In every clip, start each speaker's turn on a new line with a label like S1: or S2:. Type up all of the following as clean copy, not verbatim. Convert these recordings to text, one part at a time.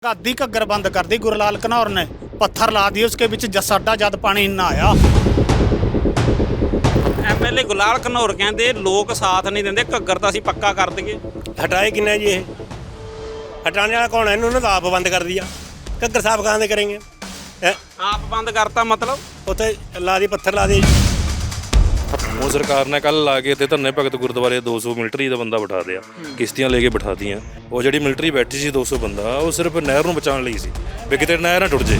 S1: आधी घग्गर बंद कर दी गुरलाल घनौर ने, पत्थर ला दिए उसके बीच साडा जद पानी इन्ना आया।
S2: ਐਮਐਲਏ ਗੁਲਾਲ ਘਨੌਰ ਕਹਿੰਦੇ ਲੋਕ ਸਾਥ ਨਹੀਂ ਦਿੰਦੇ, ਘੱਗਰ ਤਾਂ ਅਸੀਂ ਪੱਕਾ ਕਰ ਦਈਏ।
S3: हटाए किन्ना जी ये हटाने वाला कौन है? इन्होंने तो आप बंद कर दिया। घग्गर साफ कहाँ से करेंगे?
S2: ਆਪ ਬੰਦ ਕਰਤਾ ਮਤਲਬ
S3: उत्थे ला दी पत्थर ला दिए।
S4: ਉਹ ਸਰਕਾਰ ਨੇ ਕੱਲ ਲਾ ਕੇ ਤੇ ਧੰਨੇ ਭਗਤ ਗੁਰਦੁਆਰੇ 200 ਮਿਲਟਰੀ ਦਾ ਬੰਦਾ ਬਿਠਾ ਦਿਆ, ਕਿਸ਼ਤੀਆਂ ਲੈ ਕੇ ਬਿਠਾਤੀਆਂ। ਉਹ ਜਿਹੜੀ ਮਿਲਟਰੀ ਬੈਠੀ ਸੀ 200 ਬੰਦਾ, ਉਹ ਸਿਰਫ ਨਹਿਰ ਨੂੰ ਬਚਾਉਣ ਲਈ ਸੀ ਵੀ ਕਿਤੇ ਨਹਿਰ ਨਾ ਟੁੱਟ ਜੇ।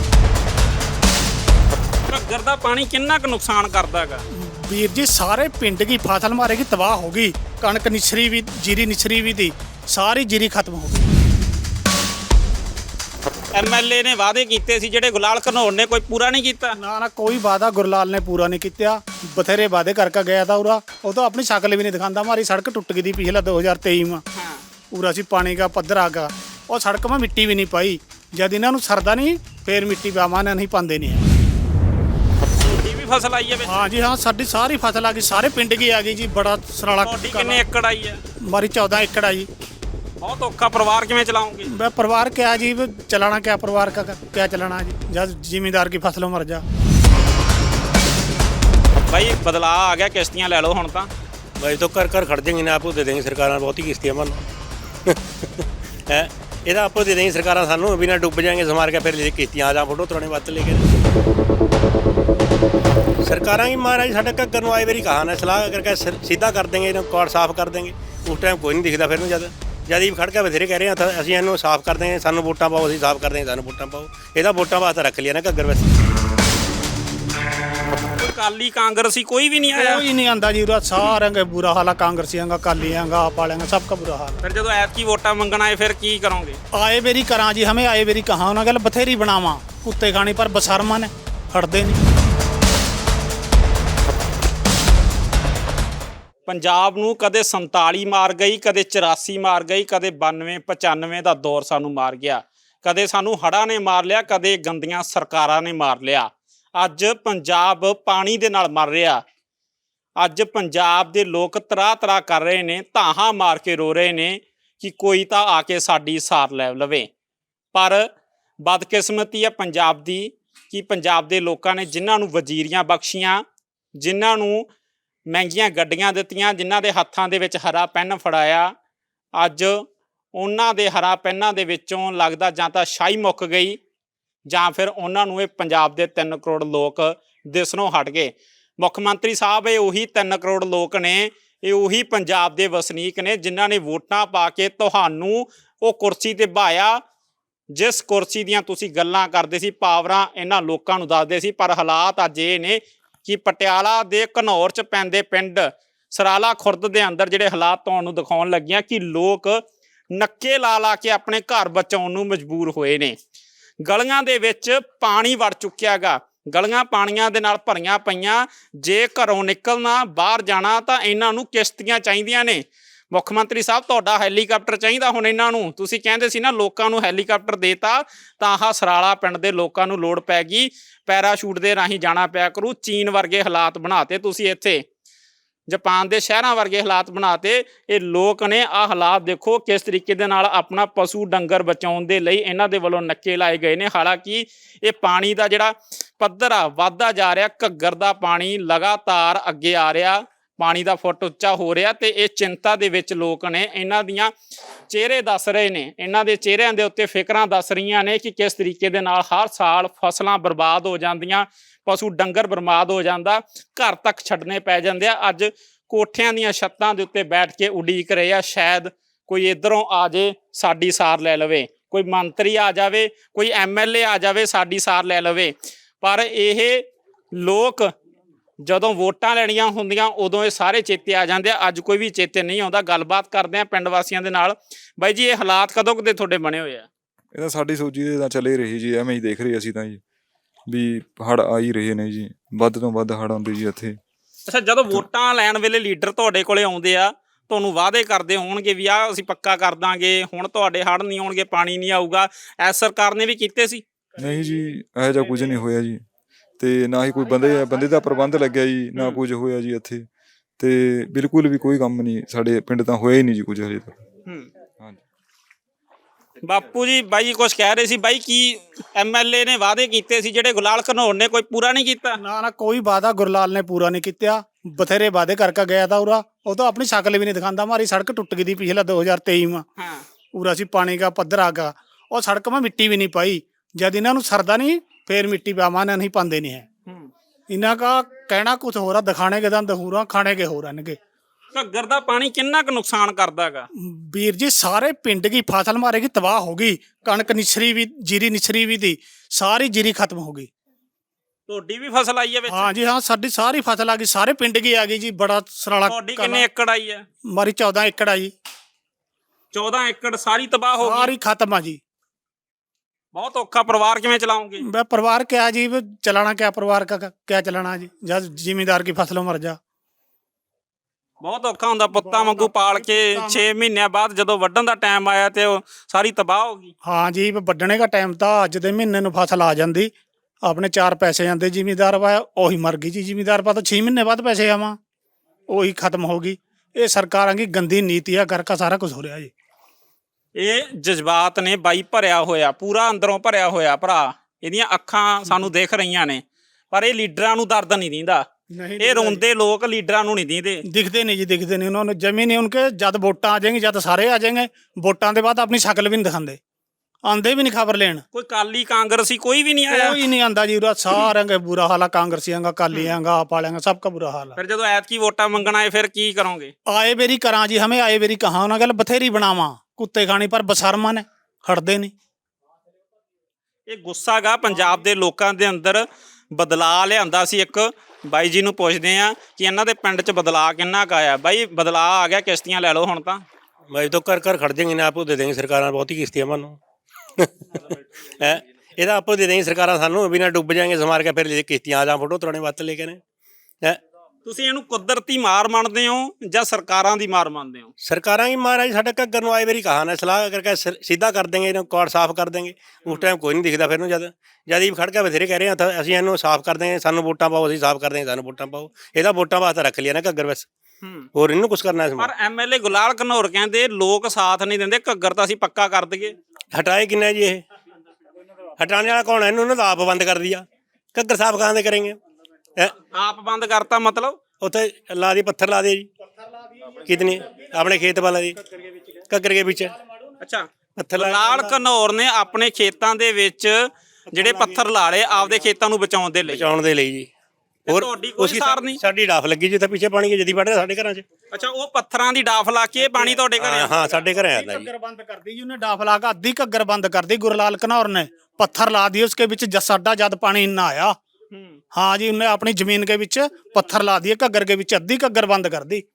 S2: ਘੱਗਰ ਦਾ ਪਾਣੀ ਕਿੰਨਾ ਕੁ ਨੁਕਸਾਨ ਕਰਦਾ ਹੈਗਾ?
S1: वीर जी सारे पिंड की फसल मारेगी, तबाह होगी। कणक निछरी भी, जीरी निछरी भी थी, सारी जीरी खत्म हो गई।
S2: ਐਮਐਲਏ ਨੇ ਵਾਅਦੇ ਕੀਤੇ ਸੀ ਜਿਹੜੇ ਗੁਲਾਲ ਘਨੌਰ ਨੇ ਕੋਈ ਪੂਰਾ ਨਹੀਂ ਕੀਤਾ।
S1: ना ना कोई वादा गुरलाल ने पूरा नहीं किया। बथेरे वादे करके गया था उरा, वो तो अपनी शक्ल भी नहीं दिखाता। हमारी सड़क टूट गई थी पिछला 2023 में। पूरा सी पानी का पद्धर आ गया और सड़क में मिट्टी भी नहीं पाई। जब इन्हों सरदा नहीं फिर मिट्टी बामा ने नहीं पाते नहीं है।
S2: ਤੁਹਾਡੀ ਵੀ ਫਸਲ ਆਈ ਹੈ ਵਿੱਚ?
S1: हाँ जी हाँ, साड़ी सारी फसल आ गई, सारे पिंड की आ गई जी। बड़ा सराला
S2: ਤੁਹਾਡੀ ਕਿੰਨੇ ਏਕੜ ਆਈ ਹੈ?
S1: हमारी 14 एकड़ आई।
S2: ਬਹੁਤ ਔਖਾ, ਪਰਿਵਾਰ ਕਿਵੇਂ ਚਲਾਉਂਗੇ?
S1: मैं परिवार क्या जी, चलाना क्या परिवार का, क्या चलाना जी जब जिम्मेदार की फसलों मर जा।
S2: ਬਾਈ ਬਦਲਾਅ ਆ ਗਿਆ, ਕਿਸ਼ਤੀਆਂ ਲੈ ਲਓ ਹੁਣ ਤਾਂ।
S3: भाई तो कर खड़ जाएंगे ना, आपको दे देंगे सरकार बहुत ही किस्तियाँ मन है ਇਹਦਾ ਆਪੋ ਦੇ ਦੇਂਗੇ ਸਰਕਾਰਾਂ ਸਾਨੂੰ, ਬਿਨਾ ਡੁੱਬ ਜਾएंगे ਸਮਾਰ ਕੇ ਫਿਰ ਲੈ ਕਿਸ਼ਤੀਆਂ ਆ ਜਾ ਫੋਟੋ ਤੁਰਾਣੇ ਵਾਸਤੇ ਲੈ ਕੇ। ਸਰਕਾਰਾਂ ਹੀ ਮਹਾਰਾਜ ਸਾਡੇ ਘੱਗਰ ਨੂੰ ਆਏ ਵਾਰੀ ਕਹਾ ਨਾ ਸਲਾਹ ਕਰਕੇ ਸਿੱਧਾ ਕਰ ਦੇਂਗੇ, ਇਹਨੂੰ ਕੋੜ ਸਾਫ਼ ਕਰ ਦੇਂਗੇ। ਉਸ ਟਾਈਮ ਕੋਈ ਨਹੀਂ ਦਿਖਦਾ ਫਿਰ ਨੂੰ ਜਦ ਹੀ ਖੜ ਕੇ ਬਥੇਰੇ ਕਹਿ ਰਹੇ ਹਾਂ ਅਸੀਂ ਇਹਨੂੰ ਸਾਫ਼ ਕਰ ਦੇਂਗੇ, ਸਾਨੂੰ ਵੋਟਾਂ ਪਾਓ, ਅਸੀਂ ਸਾਫ਼ ਕਰ ਦੇਂਗੇ, ਸਾਨੂੰ ਵੋਟਾਂ ਪਾਓ। ਇਹਦਾ ਵੋਟਾਂ ਵਾਸਤੇ ਰੱਖ ਲਿਆ ਨਾ ਘੱਗਰ ਵੈਸੇ।
S2: ਅਕਾਲੀ ਕਾਂਗਰਸੀ ਕੋਈ ਵੀ ਨਹੀਂ ਆਇਆ?
S1: कोई नहीं आंदा जी, सारे का बुरा हाल है। कांग्रेसियों का, कालियां का, आप वाले का, सबका बुरा हाल है।
S2: ਫਿਰ ਜਦੋਂ ਐਤਕੀ ਵੋਟਾਂ ਮੰਗਣ ਆਏ ਫਿਰ ਕੀ ਕਰੋਗੇ?
S1: आए बेरी करा जी, हमें आए बेरी कहाँ उन्होंने गल बथेरी बनावा कुत्ते खानी, पर बसरमा ने हटते नहीं।
S2: ਪੰਜਾਬ ਨੂੰ ਕਦੇ 47 ਮਾਰ ਗਈ, ਕਦੇ 84 ਮਾਰ ਗਈ, ਕਦੇ 92 95 ਦਾ ਦੌਰ ਸਾਨੂੰ ਮਾਰ ਗਿਆ, ਕਦੇ ਸਾਨੂੰ ਹੜ੍ਹਾਂ ਨੇ ਮਾਰ ਲਿਆ, ਕਦੇ ਗੰਦੀਆਂ ਸਰਕਾਰਾਂ ਨੇ ਮਾਰ ਲਿਆ। ਅੱਜ ਪੰਜਾਬ ਪਾਣੀ ਦੇ ਨਾਲ ਮਰ ਰਿਹਾ। ਅੱਜ ਪੰਜਾਬ ਦੇ ਲੋਕ ਤਰਾਹ ਕਰ ਰਹੇ ਨੇ, ਧਾਹਾਂ ਮਾਰ ਕੇ ਰੋ ਰਹੇ ਨੇ ਕਿ ਕੋਈ ਤਾਂ ਆ ਕੇ ਸਾਡੀ ਸਾਰ ਲੈ ਲਵੇ। ਪਰ ਬਦਕਿਸਮਤੀ ਹੈ ਪੰਜਾਬ ਦੀ ਕਿ ਪੰਜਾਬ ਦੇ ਲੋਕਾਂ ਨੇ ਜਿਨ੍ਹਾਂ ਨੂੰ ਵਜ਼ੀਰੀਆਂ ਬਖਸ਼ੀਆਂ, ਜਿਨ੍ਹਾਂ ਨੂੰ ਮਹਿੰਗੀਆਂ ਗੱਡੀਆਂ ਦਿੱਤੀਆਂ, ਜਿਨ੍ਹਾਂ ਦੇ ਹੱਥਾਂ ਦੇ ਵਿੱਚ ਹਰਾ ਪੈਨ ਫੜਾਇਆ, ਅੱਜ ਉਹਨਾਂ ਦੇ ਹਰਾ ਪੈਨਾਂ ਦੇ ਵਿੱਚੋਂ ਲੱਗਦਾ ਜਾਂ ਤਾਂ ਸ਼ਾਹੀ ਮੁੱਕ ਗਈ ਜਾਂ ਫਿਰ ਉਹਨਾਂ ਨੂੰ ਇਹ ਪੰਜਾਬ ਦੇ 3 ਕਰੋੜ ਲੋਕ ਦਿਸਣੋਂ ਹਟ ਗਏ। ਮੁੱਖ ਮੰਤਰੀ ਸਾਹਿਬ ਇਹ ਉਹੀ 3 ਕਰੋੜ ਲੋਕ ਨੇ, ਇਹ ਉਹੀ ਪੰਜਾਬ ਦੇ ਵਸਨੀਕ ਨੇ ਜਿਨ੍ਹਾਂ ਨੇ ਵੋਟਾਂ ਪਾ ਕੇ ਤੁਹਾਨੂੰ ਉਹ ਕੁਰਸੀ ਤੇ ਬਹਾਇਆ, ਜਿਸ ਕੁਰਸੀ ਦੀਆਂ ਤੁਸੀਂ ਗੱਲਾਂ ਕਰਦੇ ਸੀ, ਪਾਵਰਾਂ ਇਹਨਾਂ ਲੋਕਾਂ ਨੂੰ ਦੱਸਦੇ ਸੀ। ਪਰ ਹਾਲਾਤ ਅੱਜ ਇਹ ਨੇ ਕਿ ਪਟਿਆਲਾ ਦੇ ਘਨੌਰ 'ਚ ਪੈਂਦੇ ਪਿੰਡ ਸਰਾਲਾ ਖੁਰਦ ਦੇ ਅੰਦਰ ਜਿਹੜੇ ਹਾਲਾਤ ਤੁਹਾਨੂੰ ਦਿਖਾਉਣ ਲੱਗੀਆਂ ਕਿ ਲੋਕ ਨੱਕੇ ਲਾ ਕੇ ਆਪਣੇ ਘਰ ਬਚਾਉਣ ਨੂੰ ਮਜਬੂਰ ਹੋਏ ਨੇ। ਗਲੀਆਂ ਦੇ ਵਿੱਚ ਪਾਣੀ ਵੜ ਚੁੱਕਿਆ ਗਾ, ਗਲੀਆਂ ਪਾਣੀਆਂ ਦੇ ਨਾਲ ਭਰੀਆਂ ਪਈਆਂ। ਜੇ ਘਰੋਂ ਨਿਕਲਣਾ, ਬਾਹਰ ਜਾਣਾ ਤਾਂ ਇਹਨਾਂ ਨੂੰ ਕਿਸ਼ਤੀਆਂ ਚਾਹੀਦੀਆਂ ਨੇ। ਮੁੱਖ ਮੰਤਰੀ ਸਾਹਿਬ ਤੁਹਾਡਾ ਹੈਲੀਕਾਪਟਰ ਚਾਹੀਦਾ ਹੁਣ ਇਹਨਾਂ ਨੂੰ। ਤੁਸੀਂ ਕਹਿੰਦੇ ਸੀ ਨਾ ਲੋਕਾਂ ਨੂੰ ਹੈਲੀਕਾਪਟਰ ਦੇਤਾ, ਤਾਂ ਆਹ ਸਰਾਲਾ ਪਿੰਡ ਦੇ ਲੋਕਾਂ ਨੂੰ ਲੋੜ ਪੈ ਗਈ, ਪੈਰਾਸ਼ੂਟ ਦੇ ਰਾਹੀਂ ਜਾਣਾ ਪਿਆ ਕਰੂ। ਚੀਨ ਵਰਗੇ ਹਾਲਾਤ ਬਣਾਤੇ ਤੁਸੀਂ, ਇੱਥੇ ਜਾਪਾਨ ਦੇ ਸ਼ਹਿਰਾਂ ਵਰਗੇ ਹਾਲਾਤ ਬਣਾਤੇ। ਇਹ ਲੋਕ ਨੇ ਆਹ ਹਾਲਾਤ ਦੇਖੋ ਕਿਸ ਤਰੀਕੇ ਦੇ ਨਾਲ ਆਪਣਾ ਪਸ਼ੂ ਡੰਗਰ ਬਚਾਉਣ ਦੇ ਲਈ ਇਹਨਾਂ ਦੇ ਵੱਲੋਂ ਨੱਕੇ ਲਾਏ ਗਏ ਨੇ। ਹਾਲਾਂਕਿ ਇਹ ਪਾਣੀ ਦਾ ਜਿਹੜਾ ਪੱਧਰ ਆ ਵੱਧਦਾ ਜਾ ਰਿਹਾ, ਘੱਗਰ ਦਾ ਪਾਣੀ ਲਗਾਤਾਰ ਅੱਗੇ ਆ ਰਿਹਾ, ਪਾਣੀ ਦਾ ਫੁੱਟ ਉੱਚਾ ਹੋ ਰਿਹਾ ਤੇ ਇਹ ਚਿੰਤਾ ਦੇ ਵਿੱਚ ਲੋਕ ਨੇ। ਇਹਨਾਂ ਦੀਆਂ ਚਿਹਰੇ ਦੱਸ ਰਹੇ ਨੇ, ਇਹਨਾਂ ਦੇ ਚਿਹਰਿਆਂ ਦੇ ਉੱਤੇ ਫਿਕਰਾਂ ਦੱਸ ਰਹੀਆਂ ਨੇ ਕਿ ਕਿਸ ਤਰੀਕੇ ਦੇ ਨਾਲ ਹਰ ਸਾਲ ਫਸਲਾਂ ਬਰਬਾਦ ਹੋ ਜਾਂਦੀਆਂ, ਪਸ਼ੂ ਡੰਗਰ ਬਰਬਾਦ ਹੋ ਜਾਂਦਾ, ਘਰ ਤੱਕ ਛੱਡਣੇ ਪੈ ਜਾਂਦੇ ਆ। ਅੱਜ ਕੋਠਿਆਂ ਦੀਆਂ ਛੱਤਾਂ ਦੇ ਉੱਤੇ ਬੈਠ ਕੇ ਉਡੀਕ ਰਹੇ ਆ, ਸ਼ਾਇਦ ਕੋਈ ਇੱਧਰੋਂ ਆ ਜੇ ਸਾਡੀ ਸਾਰ ਲੈ ਲਵੇ, ਕੋਈ ਮੰਤਰੀ ਆ ਜਾਵੇ, ਕੋਈ ਐਮਐਲਏ ਆ ਜਾਵੇ ਸਾਡੀ ਸਾਰ ਲੈ ਲਵੇ। ਪਰ ਇਹ ਲੋਕ ਜਦੋਂ ਵੋਟਾਂ ਲੈਣੀਆਂ ਹੁੰਦੀਆਂ ਉਦੋਂ ਇਹ ਸਾਰੇ ਚੇਤੇ ਆ ਜਾਂਦੇ ਆ। ਅੱਜ ਕੋਈ ਵੀ ਚੇਤੇ ਨਹੀਂ ਆਉਂਦਾ। ਗੱਲਬਾਤ ਕਰਦੇ ਆ ਪਿੰਡ ਵਾਸੀਆਂ ਦੇ ਨਾਲ। ਬਾਈ ਜੀ ਇਹ ਹਾਲਾਤ ਕਦੋਂ ਕਦੇ ਤੁਹਾਡੇ ਬਣੇ ਹੋਏ ਆ?
S5: ਇਹ ਤਾਂ ਸਾਡੀ ਸੋਚੀ ਦੇ ਤਾਂ ਚੱਲੇ ਰਹੀ ਜੀ, ਐਵੇਂ ਹੀ ਦੇਖ ਰਹੇ ਅਸੀਂ ਤਾਂ ਜੀ ਵੀ ਹੜ੍ਹ ਆ ਹੀ ਰਹੇ ਨੇ ਜੀ, ਵੱਧ ਤੋਂ ਵੱਧ ਹੜ੍ਹ ਆਉਂਦੇ ਜੀ ਇੱਥੇ। ਅੱਛਾ,
S2: ਜਦੋਂ ਵੋਟਾਂ ਲੈਣ ਵੇਲੇ ਲੀਡਰ ਤੁਹਾਡੇ ਕੋਲੇ ਆਉਂਦੇ ਆ, ਤੁਹਾਨੂੰ ਵਾਅਦੇ ਕਰਦੇ ਹੋਣਗੇ ਵੀ ਆਹ ਅਸੀਂ ਪੱਕਾ ਕਰ ਦਾਂਗੇ, ਹੁਣ ਤੁਹਾਡੇ ਹੜ੍ਹ ਨਹੀਂ ਆਉਣਗੇ, ਪਾਣੀ ਨਹੀਂ ਆਊਗਾ, ਐਸ ਸਰਕਾਰ ਨੇ ਵੀ ਕੀਤੇ ਸੀ?
S5: ਨਹੀਂ ਜੀ, ਇਹੋ ਜਿਹਾ ਕੁਝ ਨਹੀਂ ਹੋਇਆ ਜੀ, ਤੇ ਨਾ ਹੀ ਕੋਈ ਬੰਦੇ ਦਾ ਪ੍ਰਬੰਧ ਲੱਗਿਆ ਜੀ, ਨਾ ਕੁਝ ਹੋਇਆ ਜੀ ਇੱਥੇ। ਤੇ ਬਿਲਕੁਲ ਵੀ ਕੋਈ ਕੰਮ ਨਹੀਂ ਸਾਡੇ ਪਿੰਡ ਤਾਂ ਹੋਇਆ ਹੀ ਨਹੀਂ ਜੀ ਕੁਝ ਹਜੇ ਤੱਕ।
S2: ਹਾਂਜੀ। ਬਾਪੂ ਜੀ ਬਾਈ ਕੁਝ ਕਹਿ ਰਹੇ ਸੀ ਬਾਈ, ਕੀ ਐਮਐਲਏ ਨੇ ਵਾਅਦੇ ਕੀਤੇ ਸੀ ਜਿਹੜੇ ਗੁਲਾਲ ਘਨੌਰ ਨੇ ਕੋਈ ਪੂਰਾ ਨਹੀਂ ਕੀਤਾ?
S1: ਨਾ ਨਾ ਕੋਈ ਵਾਦਾ ਗੁਰਲਾਲ ਨੇ ਪੂਰਾ ਨਹੀਂ ਕੀਤਾ। ਬਥੇਰੇ ਵਾਦੇ ਕਰਕੇ ਗਿਆ ਤਾਂ ਉਰਾ, ਉਹ ਤਾਂ ਆਪਣੀ ਸ਼ਕਲ ਵੀ ਨਹੀਂ ਦਿਖਾਉਂਦਾ। ਮਾਰੀ ਸੜਕ ਟੁੱਟ ਗਈ ਦੀ ਪਿਛਲਾ 2023 में।
S2: ਹਾਂ
S1: ਉਰਾ ਸੀ ਪਾਣੀ का पद्धर आगा और सड़क में मिट्टी भी नहीं पाई। जब इन्हों सरदा नहीं फिर मिट्टी पावा नहीं पाते नहीं है। इन्हों का कहना कुछ हो रहा, दिखाने के दंद हो रहा, खाने के हो रहे।
S2: ਘੱਗਰ ਦਾ ਪਾਣੀ ਕਿੰਨਾ ਕੁ ਨੁਕਸਾਨ ਕਰਦਾਗਾ?
S1: ਵੀਰ ਜੀ ਸਾਰੇ ਪਿੰਡ ਦੀ ਫਸਲ ਮਾਰੇ ਕੀ ਤਬਾਹ ਹੋ ਗਈ। ਕਣਕ ਨਿਛਰੀ ਵੀ, ਜੀਰੀ ਨਿਛਰੀ ਵੀ ਦੀ, ਸਾਰੀ ਜੀਰੀ ਖਤਮ ਹੋ ਗਈ।
S2: ਤੁਹਾਡੀ ਵੀ ਫਸਲ ਆਈ ਹੈ ਵਿੱਚ?
S1: ਹਾਂ ਜੀ ਹਾਂ, ਸਾਡੀ ਸਾਰੀ ਫਸਲ ਆ ਗਈ, ਸਾਰੇ ਪਿੰਡ ਦੀ ਆ ਗਈ ਜੀ। ਬੜਾ ਸਰਾਲਾ
S2: ਤੁਹਾਡੀ ਕਿੰਨੇ ਏਕੜ ਆਈ ਹੈ?
S1: ਮਾਰੀ 14 ਏਕੜ ਆ ਜੀ।
S2: 14 ਏਕੜ ਸਾਰੀ ਤਬਾਹ ਹੋ ਗਈ?
S1: ਸਾਰੀ ਖਤਮ ਆ ਜੀ।
S2: ਬਹੁਤ ਔਖਾ। ਪਰਿਵਾਰ ਕਿਵੇਂ ਚਲਾਉਂਗੇ?
S1: मैं परिवार क्या जी, चलाना क्या परिवार का क्या चलाना जी, जब जिम्मेदार की फसलों मर जा।
S2: ਬਹੁਤ ਔਖਾ ਹੁੰਦਾ ਪੁੱਤਾਂ ਵਾਂਗੂ ਪਾਲ ਕੇ 6 ਮਹੀਨਿਆਂ ਬਾਅਦ ਜਦੋਂ ਵੱਢਣ ਦਾ ਟਾਈਮ ਆਇਆ ਤੇ ਉਹ ਸਾਰੀ ਤਬਾਹ ਹੋ ਗਈ।
S1: हाँ जी, ਵੱਢਣੇ का टाइम था। ਅੱਜ ਦੇ ਮਹੀਨੇ ਨੂੰ ਫਸਲ ਆ ਜਾਂਦੀ, ਆਪਣੇ 4 ਪੈਸੇ ਆਂਦੇ ਜ਼ਿਮੀਦਾਰ ਵਾ, ਉਹੀ ਮਰ ਗਈ ਜੀ। ਜ਼ਿਮੀਦਾਰ ਪਾ ਤਾਂ 6 ਮਹੀਨੇ ਬਾਅਦ ਪੈਸੇ ਆਵਾਂ, ਉਹੀ ਖਤਮ ਹੋ ਗਈ। ਇਹ ਸਰਕਾਰਾਂ ਦੀ ਗੰਦੀ ਨੀਤੀ ਆ ਕਰਕੇ ਸਾਰਾ ਕੁਝ ਹੋ ਰਿਹਾ ਜੀ।
S2: ਇਹ ਜਜ਼ਬਾਤ ਨੇ ਬਾਈ ਭਰਿਆ ਹੋਇਆ, ਪੂਰਾ ਅੰਦਰੋਂ ਭਰਿਆ ਹੋਇਆ ਭਰਾ। ਇਹਦੀਆਂ ਅੱਖਾਂ ਸਾਨੂੰ ਦੇਖ ਰਹੀਆਂ ਨੇ, ਪਰ ਇਹ ਲੀਡਰਾਂ ਨੂੰ ਦਰਦ ਨਹੀਂ ਦਿੰਦਾ। ਇਹ ਰੋਂਦੇ ਲੋਕ ਲੀਡਰਾਂ ਨੂੰ ਨਹੀਂ ਦਿੰਦੇ।
S1: दिखते नहीं जी, दिखते नहीं। उन्होंने जमीन नहीं, उनके जब वोटां आ जाएंगी, जब सारे आ जाएंगे वोटां के बाद अपनी शक्ल भी नहीं दिखाते, आंदे भी नहीं खबर लेन।
S2: ਕੋਈ ਕਾਲੀ ਕਾਂਗਰਸੀ ਕੋਈ ਵੀ ਨਹੀਂ ਆਇਆ?
S1: कोई नहीं आंदा जी उरा, सारे का बुरा हाल है। कांग्रेसियां का, कालियां का, आप वालें का, सबका बुरा हाल है।
S2: ਫਿਰ ਜਦੋਂ ਐਤਕੀ ਵੋਟਾਂ ਮੰਗਣ ਆਏ ਫਿਰ ਕੀ ਕਰੋਗੇ?
S1: आए बेरी करा जी, हमें आए बेरी कहा उन्होंने गल बथेरी बनावा कुत्ते खानी, पर बसरमा ने हटते नहीं।
S2: ਇਹ ਗੁੱਸਾ ਗਾ ਪੰਜਾਬ ਦੇ ਲੋਕਾਂ ਦੇ ਅੰਦਰ। ਬਦਲਾਅ ਲਿਆਂਦਾ ਸੀ ਇੱਕ। ਬਾਈ ਜੀ ਨੂੰ ਪੁੱਛਦੇ ਆ ਕਿ ਇਹਨਾਂ ਦੇ ਪਿੰਡ 'ਚ ਬਦਲਾਅ ਕਿੰਨਾ ਕੁ ਆਇਆ। ਬਾਈ ਬਦਲਾਅ ਆ ਗਿਆ, ਕਿਸ਼ਤੀਆਂ ਲੈ ਲਓ ਹੁਣ ਤਾਂ।
S3: भाई तो कर खड़ जाएंगे ना, आपको दे देंगे सरकार बहुत ही किस्ती है मानो है। ਇਹਦਾ ਆਪੋ ਦੇ ਦੇਂਗੇ ਸਰਕਾਰਾਂ ਸਾਨੂੰ, ਬਿਨਾਂ ਡੁੱਬ ਜਾएंगे ਸਮਾਰ ਕੇ, ਫਿਰ ਕਿਸ਼ਤੀਆਂ ਆ ਜਾ ਫੋਟੋ ਤਰਾਣੇ ਵਾਸਤੇ ਲੈ ਕੇ ਨੇ ਹੈ।
S2: ਤੁਸੀਂ ਇਹਨੂੰ ਕੁਦਰਤੀ ਮਾਰ ਮੰਨਦੇ ਹੋ ਜਾਂ ਸਰਕਾਰਾਂ ਦੀ ਮਾਰ ਮੰਨਦੇ ਹੋ?
S3: ਸਰਕਾਰਾਂ ਹੀ ਮਹਾਰਾਜ ਸਾਡੇ ਘੱਗਰ ਨੂੰ ਆਏ ਵਾਰੀ ਕਹਾ ਨਾ, ਸਲਾਹ ਕਰਕੇ ਸਿੱਧਾ ਕਰ ਦੇਂਗੇ, ਇਹਨੂੰ ਕੋੜ ਸਾਫ਼ ਕਰ ਦੇਂਗੇ। ਉਸ ਟਾਈਮ ਕੋਈ ਨਹੀਂ ਦਿਖਦਾ ਫਿਰ ਨੂੰ। ਜਦ ਹੀ ਖੜ ਕੇ ਬਥੇਰੇ ਕਹਿ ਰਹੇ ਆ ਅਸੀਂ ਇਹਨੂੰ ਸਾਫ਼ ਕਰ ਦੇਂਗੇ, ਸਾਨੂੰ ਵੋਟਾਂ ਪਾਓ, ਅਸੀਂ ਸਾਫ਼ ਕਰ ਦੇਂਗੇ, ਸਾਨੂੰ ਵੋਟਾਂ ਪਾਓ। ਇਹਦਾ ਵੋਟਾਂ ਵਾਸਤੇ ਰੱਖ ਲਿਆ ਨਾ ਘੱਗਰ ਬਸ, ਹੋਰ ਇਹਨੂੰ ਕੁਝ ਕਰਨਾ।
S2: ਪਰ ਐਮਐਲਏ ਗੁਲਾਲ ਘਨੌਰ ਕਹਿੰਦੇ ਲੋਕ ਸਾਥ ਨਹੀਂ ਦਿੰਦੇ, ਘੱਗਰ ਤਾਂ ਅਸੀਂ ਪੱਕਾ ਕਰ ਦਈਏ।
S3: ਹਟਾਏ ਕਿੰਨਾ ਜੀ ਇਹ? ਹਟਾਣੇ ਵਾਲਾ ਕੌਣ ਹੈ? ਇਹਨੂੰ ਤਾਂ ਆਪ ਬੰਦ ਕਰ ਦਿਆ। ਘੱਗਰ ਸਾਫ਼ ਕਹਾਂ ਦੇ ਕਰੇਂਗੇ?
S2: ਆਪ ਬੰਦ ਕਰਤਾ ਮਤਲਬ?
S3: ਉੱਥੇ ਲਾ ਦੀ ਪੱਥਰ ਲਾ ਦੇ ਜੀ। ਕਿਤਨੇ ਆਪਣੇ ਖੇਤ ਵਾਲਾ ਦੀ ਘੱਗਰ ਦੇ ਵਿੱਚ
S2: ਅੱਛਾ,
S3: ਪੱਥਰ ਲਾ
S2: ਗੁਲਾਲ ਘਨੌਰ ਨੇ ਆਪਣੇ ਖੇਤਾਂ ਦੇ ਵਿੱਚ ਜਿਹੜੇ ਪੱਥਰ ਲਾ ਲਏ ਆਪਦੇ ਖੇਤਾਂ ਨੂੰ ਬਚਾਉਣ ਦੇ ਲਈ।
S3: ਬਚਾਉਣ ਦੇ ਲਈ ਜੀ। ਹੋਰ
S2: ਤੁਹਾਡੀ ਕੋਈ ਸਾਰ ਨਹੀਂ?
S3: ਸਾਡੀ ਡਾਫ ਲੱਗੀ ਜਿੱਥੇ ਪਿੱਛੇ ਪਾਣੀ ਜਦੀ ਵੜ ਰਿਹਾ ਸਾਡੇ ਘਰਾਂ 'ਚ।
S2: ਅੱਛਾ, ਉਹ ਪੱਥਰਾਂ ਦੀ ਡਾਫ ਲਾ ਕੇ ਇਹ ਪਾਣੀ ਤੁਹਾਡੇ ਘਰੇ?
S3: ਹਾਂ ਸਾਡੇ ਘਰੇ ਆਉਂਦਾ ਜੀ।
S1: घग्गर बंद कर दी जी उन्हें, डाफ ला के अद्धी घग्गर बंद कर दी गुरलाल घनौर ने। पत्थर ला दिए उसके बीच, साडा जद पानी इन्ना आया। हाँ जी, उन्हें अपनी जमीन के बीच पत्थर ला दिए घग्गर के बीच, अद्धी घग्गर बंद कर दी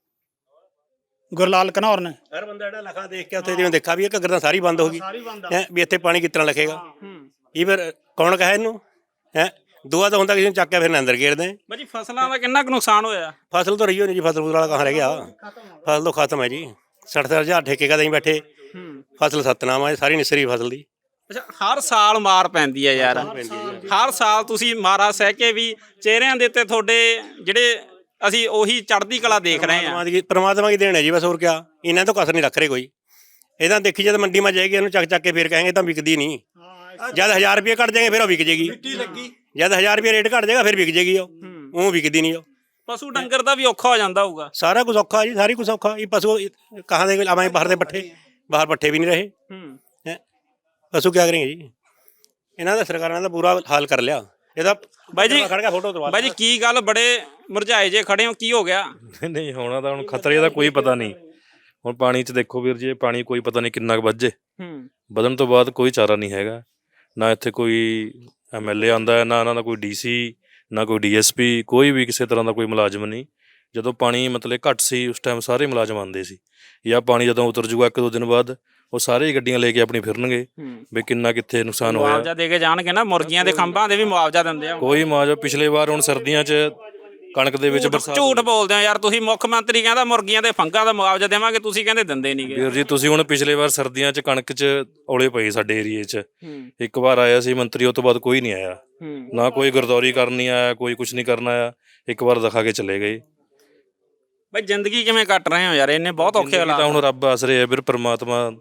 S1: गुरलाल घनौर ने।
S3: ਹਰ ਬੰਦਾ ਜਿਹੜਾ ਲਖਾ ਦੇਖ ਕੇ ਉੱਥੇ ਜਿਵੇਂ ਦੇਖਾ ਵੀ ਇਹ ਘੱਗਰ ਤਾਂ ਸਾਰੀ ਬੰਦ ਹੋ ਗਈ ਹੈ, ਵੀ ਇੱਥੇ ਪਾਣੀ ਕਿਸ ਤਰ੍ਹਾਂ ਲਖੇਗਾ। ਇਹ ਫਿਰ ਕੌਣ ਕਹੇ ਇਹਨੂੰ ਹੈ? ਦੁਆ ਤਾਂ ਹੁੰਦਾ ਕਿਸੇ ਨੂੰ ਚੱਕ ਕੇ ਫਿਰ ਅੰਦਰ ਗੇੜਦੇ।
S2: ਬਾਜੀ ਫਸਲਾਂ ਦਾ ਕਿੰਨਾ ਕੁ ਨੁਕਸਾਨ ਹੋਇਆ?
S3: ਫਸਲ ਤਾਂ ਰਹੀ ਹੋ ਨਹੀਂ ਜੀ, ਫਸਲ ਵਾਲਾ ਕਹਾਂ ਰਹਿ ਗਿਆ? ਫਸਲ ਤਾਂ ਖਤਮ ਹੈ ਜੀ। 60,000 ਠੇਕੇ ਕਾ ਦੇਈ ਬੈਠੇ, ਫਸਲ ਸਤਨਾਮ ਹੈ ਸਾਰੀ ਨਿਸਰੀ ਫਸਲ ਦੀ।
S2: ਅੱਛਾ, ਹਰ ਸਾਲ ਮਾਰ ਪੈਂਦੀ ਹੈ ਯਾਰ। ਹਰ ਸਾਲ ਤੁਸੀਂ ਮਾਰਾ ਸਹਿ ਕੇ ਵੀ ਚਿਹਰਿਆਂ ਦੇ ਉੱਤੇ ਤੁਹਾਡੇ ਜਿਹੜੇ ਅਸੀਂ ਉਹੀ ਚੜ੍ਹਦੀ ਕਲਾ ਦੇਖ ਰਹੇ ਹਾਂ।
S3: ਪਰਮਾਤਮਾ ਦੀ ਦੇਣ ਹੈ ਜੀ ਬਸ, ਹੋਰ ਕਿਆ। ਇਹਨਾਂ ਤੋਂ ਕਸਰ ਨਹੀਂ ਰੱਖ ਰਹੇ ਕੋਈ। ਇਹਦਾ ਦੇਖੀ ਜਦ ਮੰਡੀ ਮਾ ਜਾਏਗੀ ਇਹਨੂੰ ਚੱਕ ਕੇ ਫਿਰ ਕਹਾਂਗੇ ਤਾਂ ਵਿਕਦੀ ਨਹੀਂ। ਜਦ 1000 ਰੁਪਏ ਕੱਟ ਜਾਏਗੇ ਫਿਰ ਉਹ ਵਿਕ ਜੇਗੀ। ਜਦ 1000 ਰੁਪਏ ਰੇਟ ਘਟ ਜਾਏਗਾ ਫਿਰ ਵਿਕ ਜੇਗੀ। ਉਹ ਵਿਕਦੀ ਨਹੀਂ। ਉਹ
S2: ਪਸ਼ੂ ਡੰਗਰ ਦਾ ਵੀ ਔਖਾ ਹੋ ਜਾਂਦਾ ਹੋਊਗਾ।
S3: ਸਾਰਾ ਕੁਝ ਔਖਾ ਜੀ, ਸਾਰੀ ਕੁਝ ਔਖਾ। ਇਹ ਪਸ਼ੂ ਕਹਾਂ ਦੇ ਆਵਾਂ ਬਾਹਰ ਦੇ ਪੱਠੇ, ਬਾਹਰ ਪੱਠੇ ਵੀ ਨਹੀਂ ਰਹੇ ਹੈ। ਪਸ਼ੂ ਕੀ ਕरेंगे ਜੀ? ਇਹਨਾਂ ਦਾ ਸਰਕਾਰਾਂ ਦਾ ਬੁਰਾ ਹਾਲ ਕਰ ਲਿਆ। ਇਹਦਾ
S2: ਬਾਈ ਜੀ,
S3: ਖੜ ਗਿਆ ਫੋਟੋ ਕਰਵਾ
S2: ਬਾਈ ਜੀ ਕੀ ਗੱਲ ਬੜੇ ਮੁਰਝਾਏ ਜੇ ਖੜੇ ਹੋ, ਕੀ ਹੋ ਗਿਆ?
S4: ਨਹੀਂ ਹੋਣਾ ਤਾਂ ਹੁਣ ਖਤਰੇ ਦਾ ਕੋਈ ਪਤਾ ਨਹੀਂ। ਹੁਣ ਪਾਣੀ 'ਚ ਦੇਖੋ ਵੀਰ ਜੀ, ਪਾਣੀ ਕੋਈ ਪਤਾ ਨਹੀਂ ਕਿੰਨਾ ਕੁ ਵੱਜੇ। ਵਧਣ ਤੋਂ ਬਾਅਦ ਕੋਈ ਚਾਰਾ ਨਹੀਂ ਹੈਗਾ। ਨਾ ਇੱਥੇ ਕੋਈ ਐਮਐਲਏ ਆਉਂਦਾ ਹੈ, ਨਾ ਇਹਨਾਂ ਦਾ ਕੋਈ ਡੀਸੀ, ਨਾ ਕੋਈ ਡੀਐਸਪੀ, ਕੋਈ ਵੀ ਕਿਸੇ ਤਰ੍ਹਾਂ ਦਾ ਕੋਈ ਮੁਲਾਜ਼ਮ ਨਹੀਂ। ਜਦੋਂ ਪਾਣੀ ਮਤਲਬ ਘੱਟ ਸੀ ਉਸ ਟਾਈਮ ਸਾਰੇ ਮੁਲਾਜ਼ਮ ਆਉਂਦੇ ਸੀ। ਜਾਂ ਪਾਣੀ ਜਦੋਂ ਉਤਰ ਜੂਗਾ 1-2 ਦਿਨ ਬਾਅਦ ਉਹ ਸਾਰੇ ਹੀ ਗੱਡੀਆਂ ਲੈ ਕੇ ਆਪਣੀ ਫਿਰਨਗੇ ਵੀ ਕਿੰਨਾ ਕਿੱਥੇ ਨੁਕਸਾਨ ਹੋਇਆ।
S2: ਮੁਆਵਜ਼ਾ ਦੇ ਕੇ ਜਾਣਗੇ ਨਾ, ਮੁਰਗੀਆਂ ਦੇ ਖੰਭਾਂ ਦੇ ਵੀ ਮੁਆਵਜ਼ਾ ਦਿੰਦੇ ਆ।
S4: ਕੋਈ ਮੁਆਵਜ਼ਾ ਪਿਛਲੇ ਵਾਰ ਹੁਣ ਸਰਦੀਆਂ 'ਚ ਕਣਕ ਦੇ ਵਿੱਚ ਬਰਸਾਤ।
S2: ਝੂਠ ਬੋਲਦੇ ਆ ਯਾਰ ਤੁਸੀਂ। ਮੁੱਖ ਮੰਤਰੀ ਕਹਿੰਦਾ ਮੁਰਗੀਆਂ ਦੇ ਫੰਗਾਂ ਦਾ ਮੁਆਵਜ਼ਾ ਦੇਵਾਂਗੇ, ਤੁਸੀਂ ਕਹਿੰਦੇ ਦਿੰਦੇ ਨਹੀਂਗੇ।
S4: ਵੀਰ ਜੀ ਤੁਸੀਂ ਹੁਣ ਪਿਛਲੇ ਵਾਰ ਸਰਦੀਆਂ 'ਚ ਕਣਕ 'ਚ ਔਲੇ ਪਏ ਸਾਡੇ ਏਰੀਏ 'ਚ। ਇੱਕ ਵਾਰ ਆਇਆ ਸੀ ਮੰਤਰੀ, ਉਹ ਤੋਂ ਬਾਅਦ ਕੋਈ ਨਹੀਂ ਆਇਆ। ਨਾ ਕੋਈ ਗਰਦੌਰੀ ਕਰਨੀ ਆਇਆ, ਕੋਈ ਕੁਝ ਨਹੀਂ ਕਰਨਾ ਆਇਆ। ਇੱਕ ਵਾਰ ਦਿਖਾ ਕੇ ਚਲੇ ਗਏ।
S2: ਬਈ ਜ਼ਿੰਦਗੀ ਕਿਵੇਂ ਕੱਟ ਰਹੇ ਹੋ ਯਾਰ? ਇਹਨੇ ਬਹੁਤ ਔਖੇ ਹਾਲਾਤ।
S4: ਤਾਂ ਹੁਣ ਰੱਬ ਆਸਰੇ ਹੈ ਵੀਰ, ਪਰਮਾਤਮਾ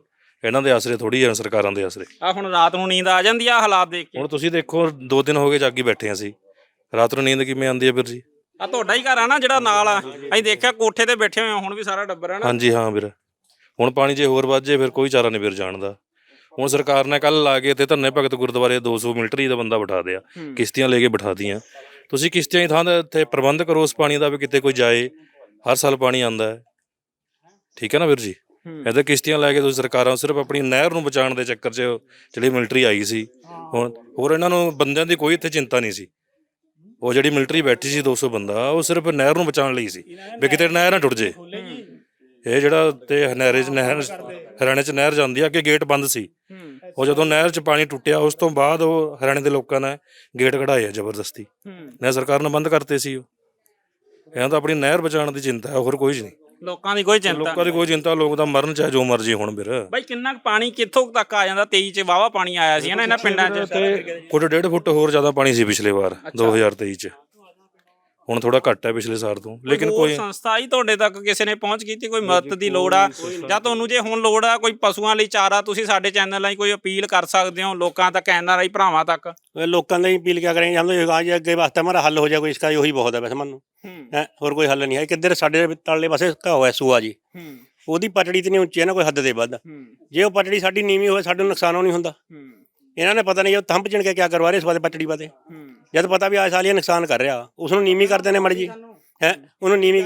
S4: ਇਹਨਾਂ ਦੇ ਆਸਰੇ ਥੋੜੀ ਆ ਸਰਕਾਰਾਂ ਦੇ ਆਸਰੇ।
S2: ਆ ਹੁਣ ਰਾਤ ਨੂੰ ਨੀਂਦ ਆ ਜਾਂਦੀ ਆ ਹਾਲਾਤ ਦੇਖ ਕੇ?
S4: ਹੁਣ ਤੁਸੀਂ ਦੇਖੋ 2 ਦਿਨ ਹੋ ਗਏ ਜਾਗੀ ਬੈਠੇ ਹਾਂ ਅਸੀਂ, ਰਾਤ ਨੂੰ ਨੀਂਦ ਕਿਵੇਂ ਆਉਂਦੀ ਹੈ ਵੀਰ ਜੀ?
S2: ਆ ਤੁਹਾਡਾ ਹੀ ਘਰ ਆ ਨਾ ਜਿਹੜਾ ਨਾਲ ਆ? ਅਸੀਂ ਦੇਖਿਆ ਕੋਠੇ ਤੇ ਬੈਠੇ ਹੋਏ ਆ ਹੁਣ ਵੀ ਸਾਰਾ ਟੱਬਰ ਆ ਨਾ?
S4: ਹਾਂਜੀ ਹਾਂ ਵੀਰ, ਹੁਣ ਪਾਣੀ ਜੇ ਹੋਰ ਵੱਧ ਜੇ ਫਿਰ ਕੋਈ ਚਾਰਾ ਨਹੀਂ ਵੀਰ ਜਾਣ ਦਾ। ਹੁਣ ਸਰਕਾਰ ਨੇ ਕੱਲ ਲਾ ਕੇ ਇੱਥੇ ਧੰਨੇ ਭਗਤ ਗੁਰਦੁਆਰੇ 200 ਮਿਲਟਰੀ ਦਾ ਬੰਦਾ ਬਿਠਾ ਦਿਆ, ਕਿਸ਼ਤੀਆਂ ਲੈ ਕੇ ਬਿਠਾ ਦੀਆਂ। ਤੁਸੀਂ ਕਿਸ਼ਤੀਆਂ ਦੀ ਥਾਂ ਤੇ ਇੱਥੇ ਪ੍ਰਬੰਧ ਕਰੋ ਉਸ ਪਾਣੀ ਦਾ ਵੀ ਕਿਤੇ ਕੋਈ ਜਾਏ, ਹਰ ਸਾਲ ਪਾਣੀ ਆਉਂਦਾ ਹੈ, ਠੀਕ ਹੈ ਨਾ ਵੀਰ ਜੀ? ਇੱਥੇ ਕਿਸ਼ਤੀਆਂ ਲੈ ਕੇ ਤੁਸੀਂ ਸਰਕਾਰਾਂ ਸਿਰਫ ਆਪਣੀ ਨਹਿਰ ਨੂੰ ਬਚਾਉਣ ਦੇ ਚੱਕਰ 'ਚ ਜਿਹੜੀ ਮਿਲਟਰੀ ਆਈ ਸੀ, ਹੁਣ ਹੋਰ ਇਹਨਾਂ ਨੂੰ ਬੰਦਿਆਂ ਦੀ ਕੋਈ ਇੱਥੇ ਚਿੰਤਾ ਨਹੀਂ ਸੀ। ਉਹ ਜਿਹੜੀ ਮਿਲਟਰੀ ਬੈਠੀ ਸੀ 200 ਬੰਦਾ, ਉਹ ਸਿਰਫ ਨਹਿਰ ਨੂੰ ਬਚਾਉਣ ਲਈ ਸੀ ਵੀ ਕਿਤੇ ਨਹਿਰ ਨਾ ਟੁੱਟ ਜੇ। ਇਹ ਜਿਹੜਾ ਤੇ ਹਰਿਆਣੇ 'ਚ ਨਹਿਰ ਜਾਂਦੀ ਆ, ਅੱਗੇ ਗੇਟ ਬੰਦ ਸੀ, ਉਹ ਜਦੋਂ ਨਹਿਰ 'ਚ ਪਾਣੀ ਟੁੱਟਿਆ ਉਸ ਤੋਂ ਬਾਅਦ ਉਹ ਹਰਿਆਣੇ ਦੇ ਲੋਕਾਂ ਨੇ ਗੇਟ ਕਢਾਏ ਆ ਜ਼ਬਰਦਸਤੀ, ਨਹਿਰ ਸਰਕਾਰ ਨੇ ਬੰਦ ਕਰਤੇ ਸੀ। ਉਹ ਇਹਨਾਂ ਤਾਂ ਆਪਣੀ ਨਹਿਰ ਬਚਾਉਣ ਦੀ ਚਿੰਤਾ ਹੈ, ਹੋਰ ਕੋਈ ਨਹੀਂ।
S2: ਲੋਕਾਂ ਦੀ ਕੋਈ ਚਿੰਤਾ
S4: ਲੋਕਾਂ ਦੀ ਕੋਈ ਚਿੰਤਾ, ਲੋਕ ਤਾਂ ਮਰਨ ਚਾਹੇ ਜੋ ਮਰਜੀ ਹੁਣ ਵੀਰ।
S2: ਬਾਈ ਕਿੰਨਾ ਕੁ ਪਾਣੀ ਕਿੱਥੋਂ ਤੱਕ ਆ ਜਾਂਦਾ? 23 ਚ ਵਾਹਵਾ ਪਾਣੀ ਆਇਆ ਸੀ ਨਾ ਇਹਨਾਂ ਪਿੰਡਾਂ 'ਚ?
S4: ਫੁੱਟ 1.5 ਫੁੱਟ ਹੋਰ ਜ਼ਿਆਦਾ ਪਾਣੀ ਸੀ ਪਿਛਲੇ ਵਾਰ 2023 'ਚ, ਹੁਣ ਥੋੜਾ ਘੱਟ ਹੈ ਪਿਛਲੇ ਸਾਲ ਤੋਂ। ਲੇਕਿਨ ਕੋਈ
S2: ਸੰਸਥਾ ਹੀ ਤੁਹਾਡੇ ਤੱਕ ਕਿਸੇ ਨੇ ਪਹੁੰਚ ਕੀਤੀ? ਕੋਈ ਮਦਦ ਦੀ ਲੋੜ ਆ ਜਾਂ ਤੁਹਾਨੂੰ ਜੇ ਹੁਣ ਲੋੜ ਆ ਕੋਈ ਪਸ਼ੂਆਂ ਲਈ ਚਾਰਾ, ਤੁਸੀਂ ਸਾਡੇ ਚੈਨਲ ਰਾਹੀਂ ਕੋਈ ਅਪੀਲ ਕਰ ਸਕਦੇ ਹੋ ਲੋਕਾਂ ਤੱਕ, NRI ਭਰਾਵਾਂ ਤੱਕ?
S3: ਲੋਕਾਂ ਦੀ ਅਪੀਲ ਕਿਆ ਕरेंगे हम तो आज ਅੱਗੇ ਵਾਸਤੇ ਹਮਾਰਾ ਹੱਲ ਹੋ ਜਾਏ ਕੋਈ, इसका ਉਹੀ ਬਹੁਤ ਹੈ ਵੈਸੇ ਮੈਨੂੰ ਹੈ, ਹੋਰ ਕੋਈ ਹੱਲ ਨਹੀਂ ਹੈ। ਕਿੱਧਰ ਸਾਡੇ ਤਲਲੇ ਪਾਸੇ ਘਾ ਹੋਇਆ ਸੂਆ ਜੀ, ਉਹਦੀ ਪਟੜੀ ਤੇ ਨਹੀਂ ਉੱਚੀ ਹੈ ਨਾ ਕੋਈ ਹੱਦ ਦੇ ਵੱਧ, ਜੇ ਉਹ ਪਟੜੀ ਸਾਡੀ ਨੀਵੀਂ ਹੋਵੇ ਸਾਨੂੰ ਨੁਕਸਾਨ ਨਹੀਂ ਹੁੰਦਾ। ਇਹਨਾਂ ਨੇ ਪਤਾ ਨਹੀਂ ਉਹ ਥੰਪ ਚਿਣ ਕੇ ਕਿਆ ਕਰਵਾ ਰਹੇ ਇਸ ਵਾਦੇ ਪਟੜੀ ਵਾਦੇ, ਜਦ ਪਤਾ ਵੀ ਆ ਸਾਲ ਇਹ ਨੁਕਸਾਨ ਕਰ ਰਿਹਾ, ਉਸ ਨੂੰ ਨੀਵੀਂ ਕਰਦੇ ਨੇ ਮੜ ਜੀ ਹੈ, ਉਹਨੂੰ ਨੀਵੀਂ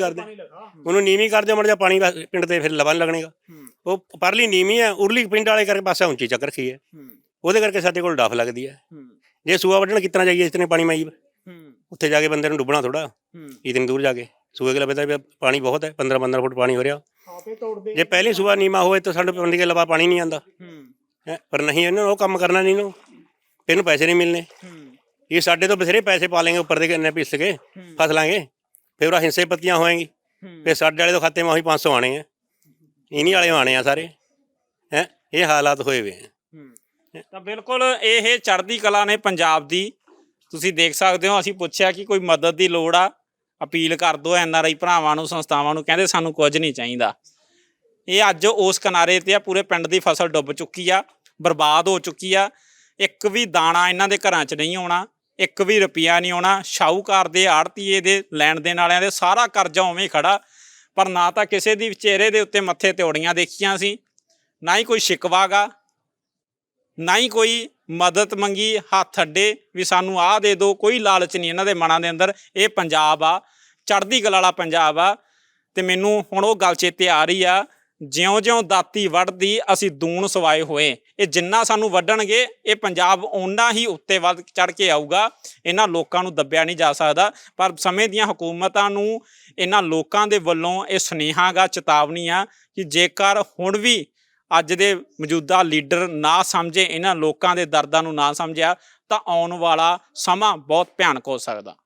S3: ਕਰਦੇ ਮੜ ਜਾ ਪਾਣੀ ਪਿੰਡ ਤੇ ਫਿਰ ਲਵਾ ਲੱਗਣੇਗਾ। ਉਹ ਪਰਲੀ ਨੀਵੀਂ ਹੈ, ਉਰਲੀ ਪਿੰਡ ਵਾਲੇ ਕਰਕੇ ਪਾਸਾ ਉੱਚੀ ਚੱਕ ਰੱਖੀ ਹੈ, ਉਹਦੇ ਕਰਕੇ ਸਾਡੇ ਕੋਲ ਡਫ ਲੱਗਦੀ ਹੈ। ਜੇ ਸੂਆ ਵੱਢਣ ਕਿਤਨਾ ਜਾਈਏ ਇਤਨੇ ਪਾਣੀ ਮਾਈ, ਉੱਥੇ ਜਾ ਕੇ ਬੰਦੇ ਨੂੰ ਡੁੱਬਣਾ ਥੋੜਾ, ਇਤਨੀ ਦੂਰ ਜਾ ਕੇ ਸੂਏ ਕੇ ਲੱਭਦਾ ਵੀ ਪਾਣੀ ਬਹੁਤ ਹੈ, 15-15 ਫੁੱਟ ਪਾਣੀ ਹੋ ਰਿਹਾ। ਜੇ ਪਹਿਲੀ ਸੂਆ ਨੀਮਾ ਹੋਵੇ ਤਾਂ ਸਾਡੇ ਪਿੰਡ ਕੇ ਲਵਾ ਪਾਣੀ ਨਹੀਂ ਆਉਂਦਾ ਹੈ, ਪਰ ਨਹੀਂ ਇਹਨੂੰ ਉਹ ਕੰਮ ਕਰਨਾ ਨਹੀਂ, ਇਹਨੂੰ ਪੈਸੇ ਨਹੀਂ ਮਿਲਣੇ। ਇਹ ਸਾਡੇ ਤੋਂ ਬਥੇਰੇ ਪੈਸੇ ਪਾ ਲੈਂਗੇ ਉੱਪਰ ਦੇ ਇੰਨੇ ਪਿਸ ਕੇ ਫਸ ਲਾਂਗੇ, ਫਿਰ ਉਹ ਹਿੰਸੇ ਪੱਤੀਆਂ ਹੋਏਗੀ, ਫਿਰ ਸਾਡੇ ਵਾਲੇ ਤੋਂ ਖਾਤੇ ਮੈਂ ਉਹੀ 500 ਆਣੇ ਆ, ਇਨੀ ਵਾਲੇ ਆਣੇ ਆ ਸਾਰੇ ਹੈ, ਇਹ ਹਾਲਾਤ ਹੋਏ ਵੇ ਆ।
S2: ਤਾਂ ਬਿਲਕੁਲ ਇਹ ਚੜ੍ਹਦੀ ਕਲਾ ਨੇ ਪੰਜਾਬ ਦੀ, ਤੁਸੀਂ ਦੇਖ ਸਕਦੇ ਹੋ। ਅਸੀਂ ਪੁੱਛਿਆ ਕਿ ਕੋਈ ਮਦਦ ਦੀ ਲੋੜ ਆ, ਅਪੀਲ ਕਰ ਦਿਓ NRI ਭਰਾਵਾਂ ਨੂੰ, ਸੰਸਥਾਵਾਂ ਨੂੰ, ਕਹਿੰਦੇ ਸਾਨੂੰ ਕੁਝ ਨਹੀਂ ਚਾਹੀਦਾ। ਇਹ ਅੱਜ ਉਸ ਕਿਨਾਰੇ ਤੇ ਆ, ਪੂਰੇ ਪਿੰਡ ਦੀ ਫਸਲ ਡੁੱਬ ਚੁੱਕੀ ਆ, ਬਰਬਾਦ ਹੋ ਚੁੱਕੀ ਆ, ਇੱਕ ਵੀ ਦਾਣਾ ਇਹਨਾਂ ਦੇ ਘਰਾਂ 'ਚ ਨਹੀਂ ਆਉਣਾ, ਇੱਕ ਵੀ ਰੁਪਈਆ ਨਹੀਂ ਆਉਣਾ। ਸ਼ਾਹੂਕਾਰ ਦੇ, ਆੜਤੀਏ ਦੇ, ਲੈਣ ਦੇਣ ਵਾਲਿਆਂ ਦੇ ਸਾਰਾ ਕਰਜ਼ਾ ਉਵੇਂ ਖੜਾ, ਪਰ ਨਾ ਤਾਂ ਕਿਸੇ ਦੀ ਚਿਹਰੇ ਦੇ ਉੱਤੇ ਮੱਥੇ ਤਿਉੜੀਆਂ ਦੇਖੀਆਂ ਸੀ, ਨਾ ਹੀ ਕੋਈ ਸ਼ਿਕਵਾ ਗਾ, ਨਾ ਹੀ ਕੋਈ ਮਦਦ ਮੰਗੀ ਹੱਥ ਅੱਡੇ ਵੀ ਸਾਨੂੰ ਆਹ ਦੇ ਦਿਓ। ਕੋਈ ਲਾਲਚ ਨਹੀਂ ਇਹਨਾਂ ਦੇ ਮਨਾਂ ਦੇ ਅੰਦਰ। ਇਹ ਪੰਜਾਬ ਆ, ਚੜ੍ਹਦੀ ਕਲਾ ਵਾਲਾ ਪੰਜਾਬ ਆ। ਤੇ ਮੈਨੂੰ ਹੁਣ ਉਹ ਗੱਲ ਚੇਤੇ ਆ ਰਹੀ ਆ, ਜਿਉਂ-ਜਿਉਂ ਦਾਤੀ ਵੱਢਦੀ ਅਸੀਂ ਦੂਣ ਸਵਾਏ ਹੋਏ। ਇਹ ਜਿੰਨਾ ਸਾਨੂੰ ਵੱਢਣਗੇ ਇਹ ਪੰਜਾਬ ਓਨਾ ਹੀ ਉੱਤੇ ਵੱਧ ਚੜ੍ਹ ਕੇ ਆਊਗਾ। ਇਹਨਾਂ ਲੋਕਾਂ ਨੂੰ ਦੱਬਿਆ ਨਹੀਂ ਜਾ ਸਕਦਾ, ਪਰ ਸਮੇਂ ਦੀਆਂ ਹਕੂਮਤਾਂ ਨੂੰ ਇਹਨਾਂ ਲੋਕਾਂ ਦੇ ਵੱਲੋਂ ਇਹ ਸੁਨੇਹਾ ਗਾ, ਚੇਤਾਵਨੀ ਆ ਕਿ ਜੇਕਰ ਹੁਣ ਵੀ ਅੱਜ ਦੇ ਮੌਜੂਦਾ ਲੀਡਰ ਨਾ ਸਮਝੇ, ਇਹਨਾਂ ਲੋਕਾਂ ਦੇ ਦਰਦਾਂ ਨੂੰ ਨਾ ਸਮਝਿਆ, ਤਾਂ ਆਉਣ ਵਾਲਾ ਸਮਾਂ ਬਹੁਤ ਭਿਆਨਕ ਹੋ ਸਕਦਾ।